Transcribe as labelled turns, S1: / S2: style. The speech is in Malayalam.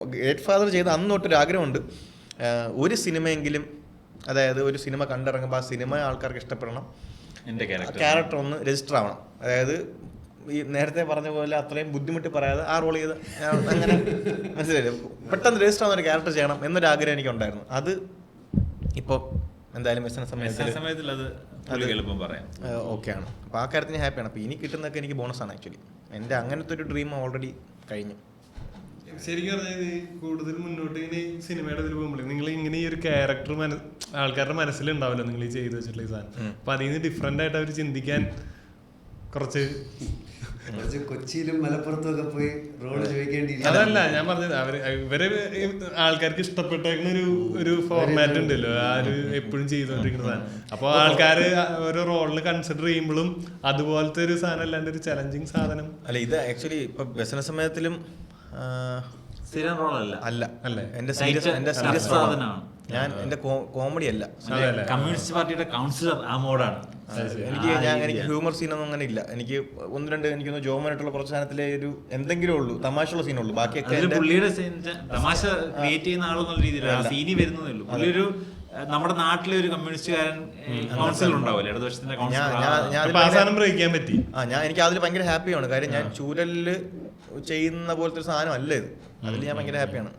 S1: ഗ്രേറ്റ് ഫാദർ ചെയ്ത അന്ന് തൊട്ടൊരു ആഗ്രഹമുണ്ട്, ഒരു സിനിമയെങ്കിലും, അതായത് ഒരു സിനിമ കണ്ടിറങ്ങുമ്പോൾ ആ സിനിമ ആൾക്കാർക്ക് ഇഷ്ടപ്പെടണം,
S2: എൻ്റെ
S1: ക്യാരക്ടർ ഒന്ന് രജിസ്റ്റർ ആവണം. അതായത് ഈ നേരത്തെ പറഞ്ഞ പോലെ അത്രയും ബുദ്ധിമുട്ടി പറയാതെ ആ റോൾ ചെയ്ത് അങ്ങനെ മനസ്സിലായില്ലേ, പെട്ടെന്ന് രജിസ്റ്റർ ആവുന്ന ഒരു ക്യാരക്ടർ ചെയ്യണം എന്നൊരാഗ്രഹം എനിക്കുണ്ടായിരുന്നു. അത് ഇപ്പോൾ എന്തായാലും
S2: സമയത്തിൽ അത് എളുപ്പം പറയാം
S1: ഓക്കെയാണ്. അപ്പോൾ ആ കാര്യത്തിന് ഹാപ്പിയാണ്. അപ്പോൾ ഇനി കിട്ടുന്നതൊക്കെ എനിക്ക് ബോണസാണ്. ആക്ച്വലി എൻ്റെ അങ്ങനത്തെ ഒരു ഡ്രീം ഓൾറെഡി കഴിഞ്ഞു.
S3: ശരിക്കും പറഞ്ഞാൽ കൂടുതൽ മുന്നോട്ട് ഇങ്ങനെ സിനിമയുടെ ഇതിൽ പോകുമ്പോൾ നിങ്ങൾ ഇങ്ങനെ ഈ ഒരു ക്യാരക്ടർ ആൾക്കാരുടെ മനസ്സിലുണ്ടാവില്ല നിങ്ങൾ ഈ ചെയ്ത് വെച്ചിട്ടുള്ള ഈ സാധനം. അപ്പൊ അതിൽ നിന്ന് ഡിഫറെന്റ് ആയിട്ട് അവർ ചിന്തിക്കാൻ കുറച്ച്
S4: കൊച്ചിയിലും മലപ്പുറത്തും ഒക്കെ പോയി റോള് ചോദിക്കേണ്ടി.
S3: അതല്ല ഞാൻ പറഞ്ഞത്, ഇവരെ ആൾക്കാർക്ക് ഇഷ്ടപ്പെട്ടേക്കുന്ന ഒരു ഫോർമാറ്റ് ഉണ്ടല്ലോ, ആ ഒരു എപ്പോഴും ചെയ്തോണ്ടിരിക്കുന്ന സാധനം. അപ്പൊ ആൾക്കാര് ഓരോ റോളിന് കൺസിഡർ ചെയ്യുമ്പോഴും അതുപോലത്തെ ഒരു സാധനം അല്ലാണ്ട് ഒരു ചലഞ്ചിങ് സാധനം
S1: അല്ല. ഇത് ആക്ച്വലി ഇപ്പൊ വ്യസന സമയത്തിലും
S2: സ്ഥിരം റോളല്ല
S1: അല്ല, എന്റെ സീരിയസ്
S2: സാധനമാണ്.
S1: ഞാൻ എന്റെ കോമഡി അല്ല,
S2: കമ്മ്യൂണിസ്റ്റ് പാർട്ടിയുടെ കൗൺസിലർ ആ മോഡാണ്.
S1: എനിക്ക് ഹ്യൂമർ സീനൊന്നും അങ്ങനെ ഇല്ല. എനിക്ക് ഒന്ന് രണ്ട് എനിക്കൊന്ന് ജോമനായിട്ടുള്ള കുറച്ച് സാധനത്തിലെ ഒരു എന്തെങ്കിലും ഉള്ളൂ, തമാശയുള്ള സീനുള്ളൂ. ബാക്കിയൊക്കെ
S2: പുള്ളിയുടെ തമാശ ക്രിയേറ്റ് ചെയ്യുന്ന ആളെന്നുള്ള രീതിയിലാണ് സീനി വരുന്നതേ ഉള്ളൂ. പുള്ളി ഒരു നമ്മുടെ നാട്ടിലെ ഒരു കമ്മ്യൂണിസ്റ്റുകാരൻ കൗൺസിലർ ഉണ്ടാവില്ല, ഇടതുപക്ഷത്തിന്റെ
S1: എനിക്ക് അതിൽ ഭയങ്കര ഹാപ്പിയാണ്. കാര്യം ഞാൻ ചൂരലില് ചെയ്യുന്ന പോലത്തെ ഒരു സാധനം അല്ല ഇത്. അതിൽ ഞാൻ ഭയങ്കര ഹാപ്പിയാണ്.